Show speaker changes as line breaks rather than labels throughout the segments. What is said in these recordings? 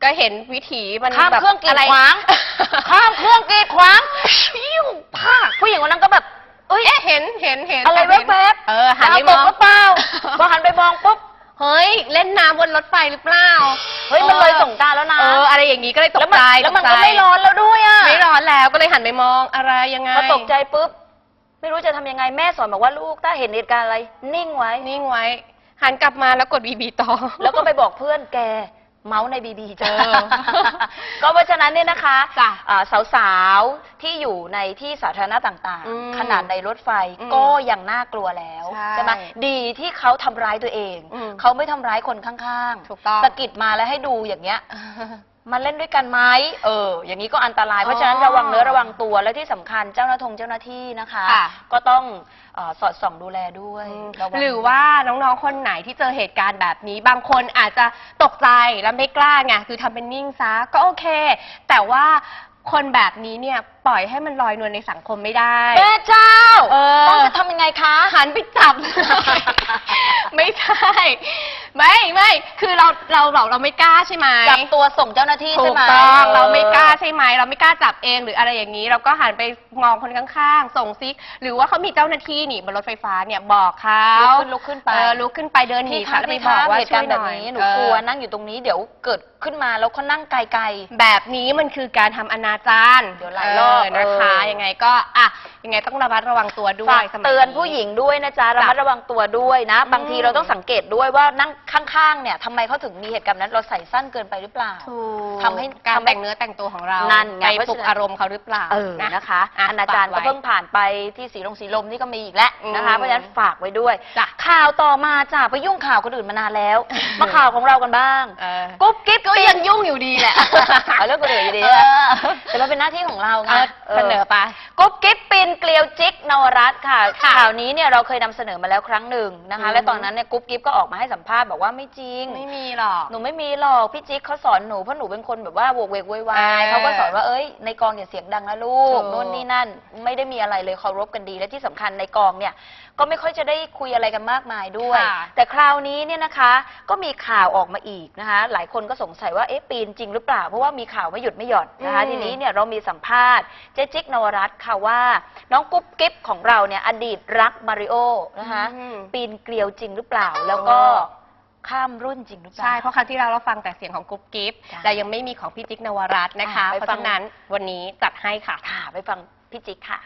ก็เห็นวิถีมัน
ข้ามเครื่องกีดขวางข้ามเครื่องกีดขวางปิ้วพาผู้หญิงคนนั้นก็แบบเอ้ย
เห็น
อะไรแวบ
ๆหันไปมอง
หรือเปล่าพอหันไปมองปุ๊บ
เฮ้ยเล่นน้ำบนรถไฟหรือเปล่า
เฮ้ยมันเลยสงกรานต์แล้วนะ
อะไรอย่างนี้ก็เลยตกใจ
แล้วมันก็ไม่ร้อนแล้วด้วยอ่ะ
ไม่ร้อนแล้วก็เลยหันไปมองอะไรยังไง
พอตกใจปุ๊บไม่รู้จะทำยังไงแม่สอนบอกว่าลูกถ้าเห็นเหตุการณ์อะไรนิ่งไว้
หันกลับมาแล้วกดบีต่อ
แล้วก็ไปบอกเพื่อนแกเมาส์ในบีเจอก็เพราะฉะนั้นเนี่ยนะคะสาวๆที่อยู่ในที่สาธารณะต่างๆขนาดในรถไฟก็ยังน่ากลัวแล้วใช่ไหมดีที่เขาทำร้ายตัวเองเขาไม่ทำร้ายคนข้างๆสะกิดมาแล้วให้ดูอย่างเงี้ยมาเล่นด้วยกันไหมอย่างนี้ก็อันตรายเพราะฉะนั้นระวังเนื้อระวังตัวและที่สำคัญเจ้าหน้าที่นะคะก็ต้องสอดส่องดูแลด้วย
หรือว่าน้องๆคนไหนที่เจอเหตุการณ์แบบนี้บางคนอาจจะตกใจแล้วไม่กล้าไงคือทำเป็นนิ่งซะก็โอเคแต่ว่าคนแบบนี้เนี่ยปล่อยให้มันลอยนวลในสังคมไม่ได้
แม่เจ้าต้องจะทำยังไงคะ
หันไปจับไม่ใช่ไม่คือเราไม่กล้าใช่ไหม
จับตัวส่งเจ้าหน้าที่ใช่ไหม
ถูกต้องเราไม่กล้าใช่ไหมเราไม่กล้าจับเองหรืออะไรอย่างนี้เราก็หันไปมองคนข้างๆส่งซิกหรือว่าเขามีเจ้าหน้าที่นี่บนรถไฟฟ้าเนี่ยบอกเขา
ลุกขึ้นไป
เดินหนี
ค่ะแล้วไปบอกว่าช่วยหน่อยหนูกลัวนั่งอยู่ตรงนี้เดี๋ยวเกิดขึ้นมาแล้วเขานั่งไกล
ๆแบบนี้มันคือการทำอนาจารเ
ดี๋ยวหลายรอบ
นะคะยังไงก็ยังไงต้องระมัดระวังตัวด้วย
เตือนผู้หญิงด้วยนะจ๊ะระมัดระวังตัวด้วยนะบางทีเราต้องสังเกตด้วยว่านั่งข้างๆเนี่ยทำไมเขาถึงมีเหตุการณ์นั้นเราใส่สั้นเกินไปหรือเปล่า
ทำให้การแต่งเนื้อแต่งตัวของเราไปปลุกอารมณ์เขาหรือเปล่า
นะคะอนาจารก็เพิ่งผ่านไปที่สีลมนี่ก็มีอีกแล้วนะคะเพราะฉะนั้นฝากไว้ด้วยข่าวต่อมาจ้ะไปยุ่งข่าวคนอื่นมานานแล้วมาข่าวของเรากันบ้างกุ๊บกิ๊บ
ก็ยังยุ่งอยู่ดีแหละ
เรื่องคนอื่นอยู่ดีแต่มันเป็นหน้าที่ของเราไง
เสนอไป
กุ๊บกิ๊บปีนเกลียวจิ๊กนวรัตน์ค่ะข่าวนี้เนี่ยเราเคยนำเสนอมาแล้วครั้งหนึ่งนะคะและตอนนั้นเนี่ยกุ๊บกิ๊บก็ออกมาให้สัมภาษณ์บอกว่าไม่จริง
ไม่มีหรอก
หนูไม่มีหรอกพี่จิ๊กเขาสอนหนูเพราะหนูเป็นคนแบบว่าโวกเวกโวยวายเขาก็สอนว่าเอ้ยในกองอย่าเสียงดังนะลูกโน่นนี่นั่นไม่ได้มีอะไรเลยเคารพกันดีและที่สำคัญในกองเนี่ยก็ไม่ค่อยจะได้คุยอะไรกันมากมายด้วยแต่คราวนี้เนี่ยนะคะก็มีข่าวออกมาอีกนะคะหลายคนก็สงสัยว่าปีนจริงหรือเปล่าเพราะว่ามีข่าวไม่หยุดไม่หย่อนนะคะทีนี้เนี่ยเรามีสัมภาษณ์เจ๊จิ๊กนวรัตน์ค่ะว่าน้องกุ๊บกิ๊บของเราเนี่ยอดีตรักมาริโอนะคะปีนเกลียวจริงหรือเปล่าแล้วก็ข้ามรุ่นจริงหรือเปล่า
ใช่เพราะครั้งที่เราฟังแต่เสียงของกุ๊บกิ๊บแต่ยังไม่มีของพี่จิ๊กนวรัตน์นะคะเพราะฉะนั้นวันนี้จัดให้ค่ะ
ไปฟังพี่จิ๊กค่ะ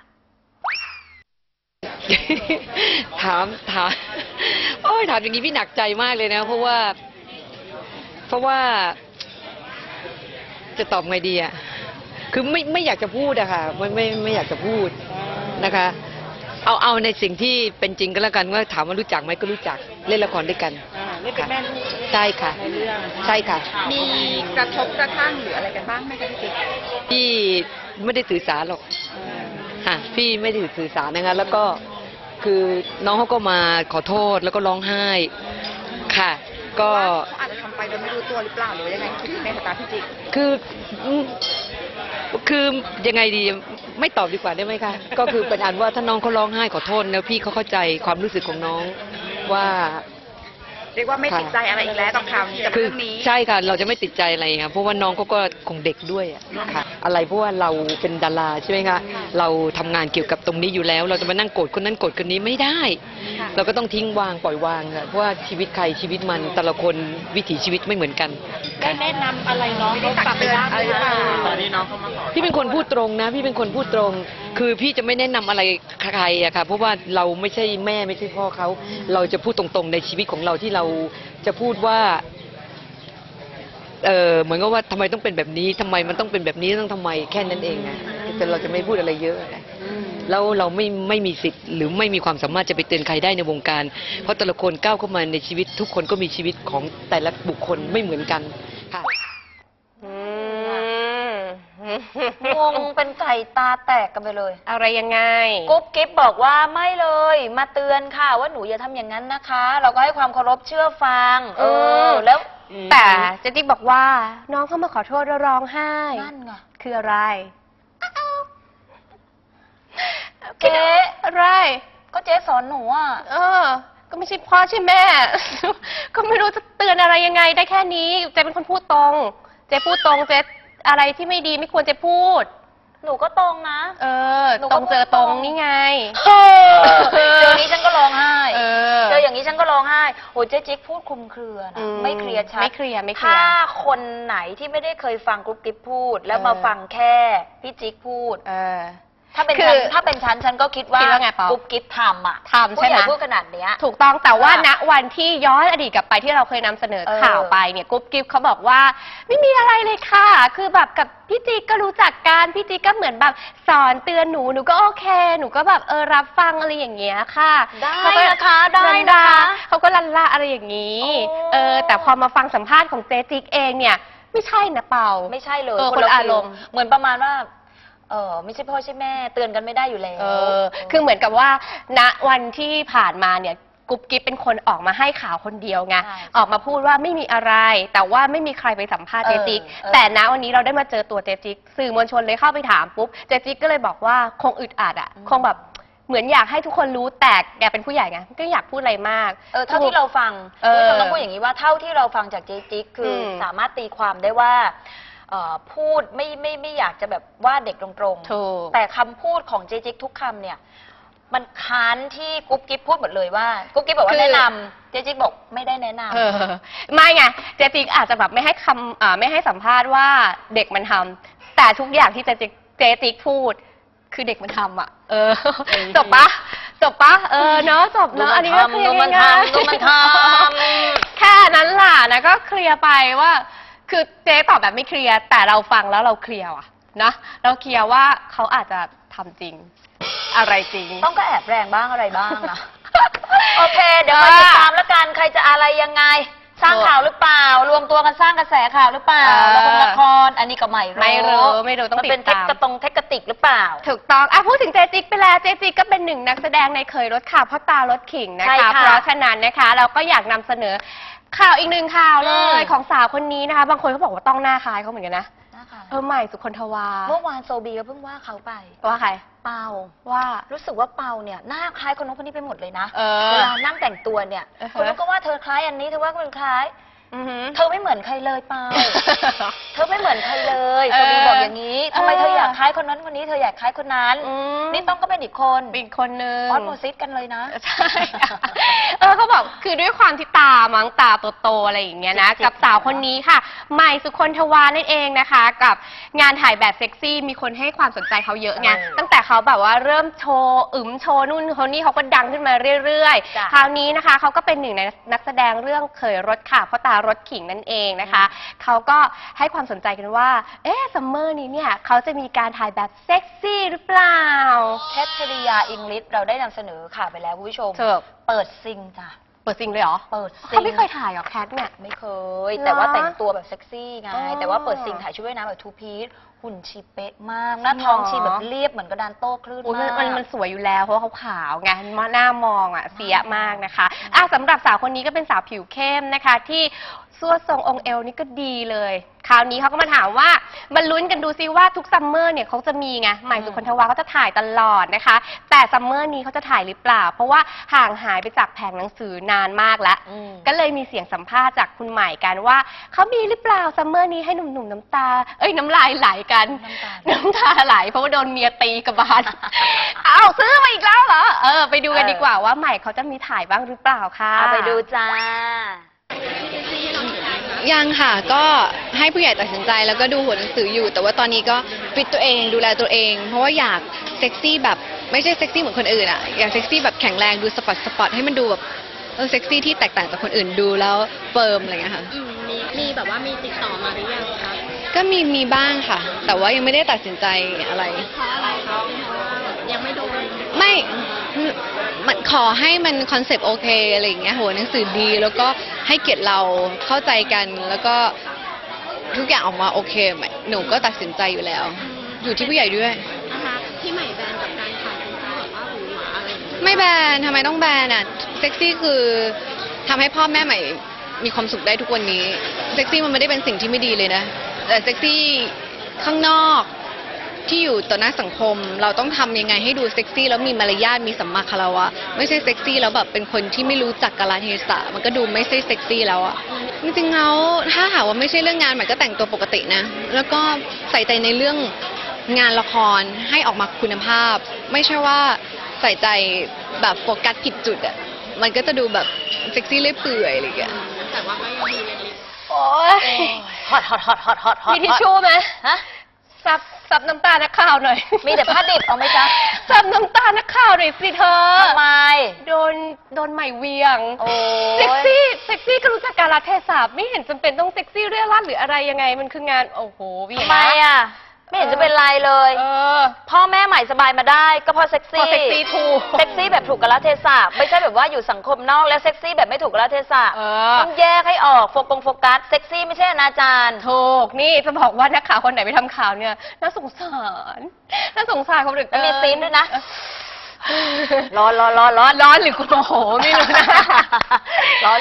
ถามอย่างนี้พี่หนักใจมากเลยนะเพราะว่าจะตอบไงดีอ่ะคือไม่อยากจะพูดอะค่ะไม่อยากจะพูดนะคะเอาในสิ่งที่เป็นจริงก็แล้วกันว่าถามว่ารู้จักไหมก็รู้จักเล่นละครด้วยกัน
เล่นเป็นแม่ลูก
ใช่ค่ะ
ในเรื่อง
ใช่ค่ะ
มีกระทบกระทั่งหรืออะไรกันบ้างไหมคะ
พี่ไม่ได้ถือสาหรอกพี่ไม่ได้ถือสานะคะแล้วก็คือน้องเขาก็มาขอโทษแล้วก็ร้องไห้ค่ะก็
อาจจะทำไปโดยไม่รู้ตัวหรือเปล่าหรือยังไงคิดในสายตาพี่จิ๊ก
คือยังไงดีไม่ตอบดีกว่าได้ไหมคะก็คือเป็นอันว่าถ้าน้องเขาร้องไห้ขอโทษแล้วพี่เขาเข้าใจความรู้สึกของน้องว่า
เรียกว่าไม่ติดใจอะไรอีกแล้วกับข่าวนี้กับเรื่องนี้
ใช่ค่ะเราจะไม่ติดใจอะไรค่ะเพราะว่าน้องเขาก็คงเด็กด้วยค่ะอะไรเพราะว่าเราเป็นดาราใช่ไหมคะเราทำงานเกี่ยวกับตรงนี้อยู่แล้วเราจะมานั่งโกรธคนนั้นโกรธคนนี้ไม่ได้เราก็ต้องทิ้งวางปล่อยวางค่ะเพราะว่าชีวิตใครชีวิตมันแต่ละคนวิถีชีวิตไม่เหมือนกัน
ได้แนะนำอะไรน้องได้ตักเตือนอะไรหรือเปล่าตอนนี้น้องเขามาขอ
พี่เป็นคนพูดตรงนะพี่เป็นคนพูดตรงคือพี่จะไม่แนะนำอะไรใครอะค่ะเพราะว่าเราไม่ใช่แม่ไม่ใช่พ่อเขาเราจะพูดตรงๆในชีวิตของเราที่เราจะพูดว่าเหมือนกับว่าทำไมต้องเป็นแบบนี้ทำไมมันต้องเป็นแบบนี้ต้องทำไมแค่นั้นเองนะแต่เราจะไม่พูดอะไรเยอะแล้วเราไม่มีสิทธิ์หรือไม่มีความสามารถจะไปเตือนใครได้ในวงการเพราะแต่ละคนก้าวเข้ามาในชีวิตทุกคนก็มีชีวิตของแต่ละบุคคลไม่เหมือนกันค่ะ
งงเป็นไก่ตาแตกกันไปเลย
อะไรยังไง
กุ๊บกิ๊บบอกว่าไม่เลยมาเตือนค่ะว่าหนูอย่าทำอย่างนั้นนะคะเราก็ให้ความเคารพเชื่อฟังแล้ว
แต่เจติ๊กบอกว่าน้องเข้ามาขอโทษแล้วร้องไห้
นั่นไง
คืออะไร
เจ๊
อะไร
ก็เจ๊สอนหนูอ่ะ
ก็ไม่ใช่พ่อใช่แม่ก็ไม่รู้จะเตือนอะไรยังไงได้แค่นี้เจ๊เป็นคนพูดตรงเจ๊พูดตรงเจ๊อะไรที่ไม่ดีไม่ควรจะพูด
หนูก็ตรงนะ หนูก็
ตรงเจอตรงนี่ไง
เจออย่างนี้ฉันก็ร้องไห้
เ
เจออย่างนี้ฉันก็ร้องไห้โอ้ยเจ๊จิ๊กพูดคลุมเครือนะไม่เคลียร์ชัด
ไม่เคลียร์
ถ้าคนไหนที่ไม่ได้เคยฟังกรุ๊ปกิ๊บพูด แล้วมาฟังแค่พี่จิ๊กพูดถ้าเป็นฉันก็คิดว่า
ไงเปาก
รุ๊ปกิ๊บทำอ่ะ
ทำใช่ไหม
ผู้ใหญ่พูดขนาดเนี้ย
ถูกต้องแต่ว่าณวันที่ย้อนอดีตกลับไปที่เราเคยนำเสนอข่าวไปเนี่ยกุ๊บกิ๊บเขาบอกว่าไม่มีอะไรเลยค่ะ คือแบบกับพี่จิ๊กก็รู้จักกันพี่จิ๊กก็เหมือนแบบสอนเตือนหนูก็โอเคหนูก็แบบรับฟังอะไรอย่างเงี้ยค่ะ
ได้นะคะได้นะคะ
เขาก็ลันละอะไรอย่างนี้ แต่พอมาฟังสัมภาษณ์ของเจ๊จิ๊กเองเนี่ยไม่ใช่นะเปา
ไม่ใช่เลย
คนละอารมณ์
เหมือนประมาณว่าไม่ใช่พ่อใช่แม่เตือนกันไม่ได้อยู่แล้ว
คือเหมือนกับว่าณวันที่ผ่านมาเนี่ยกุ๊บกิ๊บเป็นคนออกมาให้ข่าวคนเดียวไง
ใช่
ออกมาพูดว่าไม่มีอะไร แต่ว่าไม่มีใครไปสัมภาษณ์เจจิก
เออ
แต่ณวันนี้เราได้มาเจอตัวเจจิกสื่อมวลชนเลยเข้าไปถามปุ๊บเจจิกก็เลยบอกว่าคงอึดอัดอ่ะคงแบบเหมือนอยากให้ทุกคนรู้แต่แกเป็นผู้ใหญ่ไงก็อยากพูดอะไรมาก
เท่าที่เราฟังคุณผู้ชมต้องพูดอย่างนี้ว่าเท่าที่เราฟังจากเจจิ๊กคือสามารถตีความได้ว่าพูดไม่อยากจะแบบว่าเด็กตรง
ถูก
ๆแต่คำพูดของเจจิ๊กทุกคำเนี่ยมันค้านที่กุ๊บกิ๊บพูดหมดเลยว่ากุ๊บกิ๊บบอกว่าแนะนำเจจิ๊กบอกไม่ได้แนะนำ
ไม่ไงเจจิกอาจจะแบบไม่ให้ไม่ให้สัมภาษณ์ว่าเด็กมันทำแต่ทุกอย่างที่เจจิกพูดคือเด็กมันทำอ่ะจบปะเนาะจบเนาะอันนี้ก็เคลียร์ง่ายๆ
ดูมันทำ
แค่นั้นล่ะนะก็เคลียร์ไปว่าคือเจ๊ตอบแบบไม่เคลียร์แต่เราฟังแล้วเราเคลียร์ว่ะนะเราเคลียร์ว่าเขาอาจจะทำจริงอะไรจริง
ต้องก็แอบแรงบ้างอะไรบ้างนะ โอเค เดี๋ยวมาติดตามแล้วกันใครจะอะไรยังไง สร้างข่าวหรือเปล่ารวมตัวกันสร้างกระแสข่าวหรือเปล่าละครอันนี้ก็ไม่รู้
ต้องติดตาม
มันเป็นเทคติกหรือเปล่า
ถูกต้องพูดถึงเจจิกไปแล้วเจจิกก็เป็นหนึ่งนักแสดงในเคยรถข่าวพ่อตารถขิงนะ
ใช่
คะ
ค่ะ
เพราะฉะนั้นนะคะเราก็อยากนำเสนอข่าวอีกหนึ่งข่าวเลยของสาวคนนี้นะคะบางคนเขาบอกว่าต้องหน้าคล้ายเขาเหมือนกันนะใหม่สุคนทวา
เมื่อวานโซบีก็เพิ่งว่าเขาไป
ว่าใคร
เปา
ว่า
รู้สึกว่าเปาเนี่ยหน้าคล้ายคนนู้นคนนี้ไปหมดเลยนะ
เออ
เวลานั่งแต่งตัวเนี่ย คนนู้นก็ว่าเธอคล้ายอันนี้เธอว่าคนคล้าย เธอไม่เหมือนใครเลยเปา เธอไม่เหมือนใครเลยโซบีบอกอย่างนี้ทำไมเธออยากคล้ายคนนั้นคนนี้เธออยากคล้ายคนนั้นนี่ต้องก็เป็นอีกคน
เป็นอีกคนนึง
ออสโมซิสกันเลยนะ
ใช่เขาบอกคือด้วยความที่ตามั้งตาโตๆอะไรอย่างเงี้ยนะกับสาวคนนี้ค่ะใหม่สุคนทวานั่นเองนะคะ กับงานถ่ายแบบเซ็กซี่มีคนให้ความสนใจเขาเยอะไงตั้งแต่เขาแบบว่าเริ่มโชว์โชว์นู่นคนนี้เขาก็ดังขึ้นมาเรื่อยๆคราวนี้นะคะเขาก็เป็นหนึ่งในนักแสดงเรื่องเคยรถค่ะพ่อตารถขิงนั่นเองนะคะเขาก็ให้ความสนใจกันว่าซัมเมอร์นี้เนี่ยเขาจะมีการถ่ายแบบเซ็กซี่หรือเปล่า
แคทธริยาอิงลิชเราได้นำเสนอข่าวไปแล้วคุณผู้ชม เปิดซิงจ้ะ
เปิดซิงเลยเหรอ
เปิดซิง
เขาไม่เคยถ่ายหรอแคทเนี่ย
ไม่เคย แต่ว่าแต่งตัวแบบเซ็กซี่ไงแต่ว่าเปิดซิงถ่ายชุดว่ายน้ำแบบทูพีซหุ่นชีเป๊ะมากหน้าท้องชีแบบเรียบเหมือนกระดานโต้คลื่นมาก
มันสวยอยู่แล้วเพราะว่าเขาขาวไงหน้ามองเสียมากนะคะสำหรับสาวคนนี้ก็เป็นสาวผิวเข้มนะคะที่สวดทรงองค์เอวนี่ก็ดีเลยคราวนี้เขาก็มาถามว่ามาลุ้นกันดูซิว่าทุกซัมเมอร์เนี่ยเขาจะมีไงใหม่สุคนทวาเขาจะถ่ายตลอดนะคะแต่ซัมเมอร์นี้เขาจะถ่ายหรือเปล่าเพราะว่าห่างหายไปจากแผงหนังสือนานมากแล้วก็เลยมีเสียงสัมภาษณ์จากคุณใหม่กันว่าเขามีหรือเปล่าซัมเมอร์นี้ให้หนุ่มๆน้ำตาน้ำลายไหลกันน้ำตาไหลเพราะว่าโดนเมียตีกระบาล เอาซื้อมาอีกแล้วเหรอไปดูกันดีกว่าว่าใหม่เขาจะมีถ่ายบ้างหรือเปล่าค่ะ
เอาไปดูจ้า
ยังค่ะก็ให้ผู้ใหญ่ตัดสินใจแล้วก็ดูหัวหนังสืออยู่ แต่ว่าตอนนี้ก็ฟิตตัวเองดูแลตัวเอง เพราะว่าอยากเซ็กซี่แบบไม่ใช่เซ็กซี่เหมือนคนอื่นอ่ะอยากเซ็กซี่แบบแข็งแรงดูสปอร์ตให้มันดูแบบเซ็กซี่ที่แตกต่างจากคนอื่นดูแล้วเฟิร์มอะไรอย่างเงี้ยค่ะ
มีแบบว่ามีติดต่อมาหรือยังคะ
ก็มีบ้างค่ะ แต่ว่ายังไม่ได้ตัดสินใจอะไร
เพราะอะไรคะเพราะว่ายังไม่โดน
ไม่มันขอให้มันคอนเซปต์โอเคอะไรอย่างเงี้ยหัวหนังสือดีแล้วก็ให้เกียรติเราเข้าใจกันแล้วก็ทุกอย่างออกมาโอเคหนูก็ตัดสินใจอยู่แล้ว อยู่ที่ผู้ใหญ่ด้วย
นะคะที่ใหม่แบนกับการถ่ายเป็นที่แบบว่าหรูหราอะไรอย่างเงี้ย
ไม่แบนทำไมต้องแบนอ่ะเซ็กซี่คือทำให้พ่อแม่ใหม่มีความสุขได้ทุกวันนี้เซ็กซี่มันไม่ได้เป็นสิ่งที่ไม่ดีเลยนะแต่เซ็กซี่ข้างนอกที่อยู่ต่อหน้าสังคม เราต้องทำยังไงให้ดูเซ็กซี่แล้วมีมารยาทมีสัมมาคารวะไม่ใช่เซ็กซี่แล้วแบบเป็นคนที่ไม่รู้จักกาลเทศะมันก็ดูไม่ใช่เซ็กซี่แล้วอะจริงๆแล้วถ้าหากว่าไม่ใช่เรื่องงานใหม่ก็แต่งตัวปกตินะแล้วก็ใส่ใจในเรื่องงานละครให้ออกมาคุณภาพ ไม่ใช่ว่าใส่ใจแบบโฟกัสผิดจุดอะมันก็จะดูแบบเซ็กซี่เลื่อยเปื่อยอะไรอย่างเงี้ย
แต่ว่าก็ยังมีเล็ก
โอ๊ย
ฮอตฮอตฮอตฮอตฮอตฮอต
มีทิชชู่ไหม
ฮะ
ซับน้ำตานักข่าวหน่อย
มีแต่ผ้าดิบเอาไหมจ๊ะ
ซับน้ำตานักข่าวหน่อยสิเธอ
ทำไม
โดนใหม่เวียง
โอ้
เซ็กซี่ก็รู้จักกาลเทศะไม่เห็นจำเป็นต้องเซ็กซี่เรื่อรั่นหรืออะไรยังไงมันคืองานโอ้โหเวียง
ทำไมอ่ะ ไม่เห็นจะเป็นไรเลย พ่อแม่ใหม่สบายมาได้ก็เพราะเซ็ก
พอ
ซี่
เซ็กซี่ถูก
เซ็กซี่แบบถูกกาลเทศะไม่ใช่แบบว่าอยู่สังคมนอกแล้วเซ็กซี่แบบไม่ถูกกาลเทศะ ต้องแยกให้ออกโฟกัสเซ็กซี่ไม่ใช่อนาจาร
ถูกนี่จะบอกว่านักข่าวคนไหนไปทำข่าวเนี่ยน่าสงสารคนอื่น
แล้วมีซีนด้วยนะ
ร้อนหรือโมโหไม่รู้นะ
ร้อน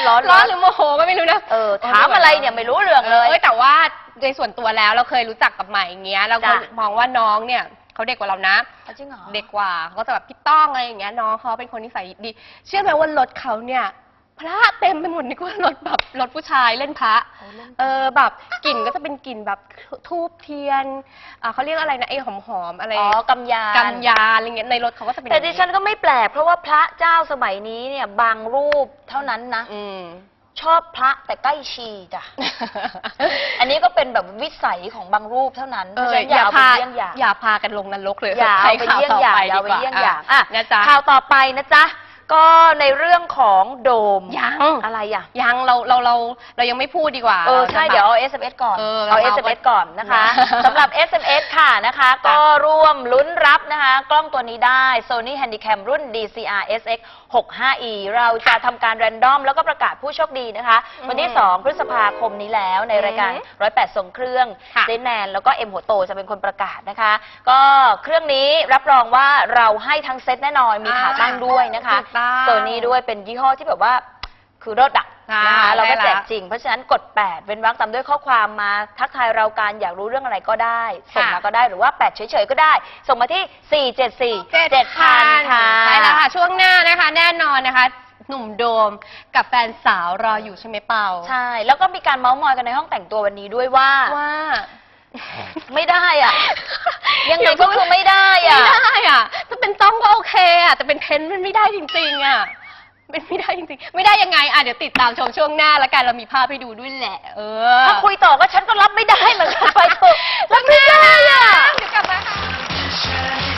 หรือโมโหก็ไม่รู้นะ
ถามอะไรเนี่ยไม่รู้เรื่องเลย
แต่ว่าในส่วนตัวแล้วเราเคยรู้จักกับใหม่อย่างเงี้ยเราก็
จ้ะ
มองว่าน้องเนี่ยเขาเด็กกว่าเรานะ
จริงเหรอ
เด็กกว่าเขาก็จะแบบพี่ต้องอะไรอย่างเงี้ยน้องเขาเป็นคนนิสัยดีเชื่อไหมว่ารถเขาเนี่ยพระเต็มไปหมดนี่ก็รถแบบรถผู้ชายเล่นพระแบบกลิ่นก็จะเป็นกลิ่นแบบทูบเทียนเขาเรียกอะไรนะไอ้หอมๆอะไร
กำยาน
กำยานอะไรเงี้ยในรถเขาก็จะเป็น
แต่ดิฉันก็ไม่แปลกเพราะว่าพระเจ้าสมัยนี้เนี่ยบางรูปเท่านั้นนะ ชอบพระแต่ใกล้ชีจ้ะ อันนี้ก็เป็นแบบวิสัยของบางรูปเท่านั้นเพราะฉะนั้นอย่าเอาไปเยี่ยงอย่าง
อย่าพากันลงนรกเลย
อย่าเอาไปเยี่ยงอย่างอย่าเอาไปเยี่ยงอย่างอ่ะ
นะจ๊ะ
ข่าวต่อไปนะจ๊ะก็ในเรื่องของโดม
ยัง
อะไรอ่ะ
ยังเรายังไม่พูดดีกว่า
ใช่เดี๋ยวเอา SMS ก่อน
เรา
SMS ก่อนนะคะ
นะ
สำหรับ SMS ค่ะนะคะ ก็ร่วมลุ้นรับนะคะ กล้องตัวนี้ได้ Sony Handycam รุ่น DCR SX 65E เราจะทำการแรนดอมแล้วก็ประกาศผู้โชคดีนะคะ วันที่ 2 พฤษภาคมนี้แล้วในรายการ108ส่งเครื่อง
ค่ะ
เจนแนนแล้วก็เอ็มหัวโตจะเป็นคนประกาศนะคะ ก็เครื่องนี้รับรองว่าเราให้ทั้งเซตแน่นอนมีขาตั้งด้วยนะคะ
ถูกต้อง
โซนี่ด้วยเป็นยี่ห้อที่แบบว่าคือรถดักนะคะเราก็แจกจริง เพราะฉะนั้นกด 8 เว้นวรรคตามด้วยข้อความมาทักทายเราการอยากรู้เรื่องอะไรก็ได้ ส่งมาก็ได้หรือว่า 8 เฉยๆก็ได้ ส่งมาที่ 474-7000 ค่ะ
ใช่แล้วค่ะ ช่วงหน้านะคะ แน่นอนนะคะ หนุ่มโดมกับแฟนสาวรออยู่ใช่ไหมเปา
ใช่ แล้วก็มีการเมาส์มอยกันในห้องแต่งตัววันนี้ด้วยว่า ไม่ได้อ่ะ ยังไงก็คือไม่ได้อ่ะ
ไม่ได้อ่ะถ้าเป็นต้องก็โอเคอ่ะแต่เป็นเทนมันไม่ได้จริงๆอ่ะเป็นไม่ได้จริงๆไม่ได้ยังไงเดี๋ยวติดตามชมช่วงหน้าแล้วกันเรามีภาพให้ดูด้วยแหละ
ถ้าคุยต่อก็ฉันก็รับไม่ได้เหมือนกันไปเถอะรับไม่ได้อ่ะ
เดี๋ยวกลับมาค่ะ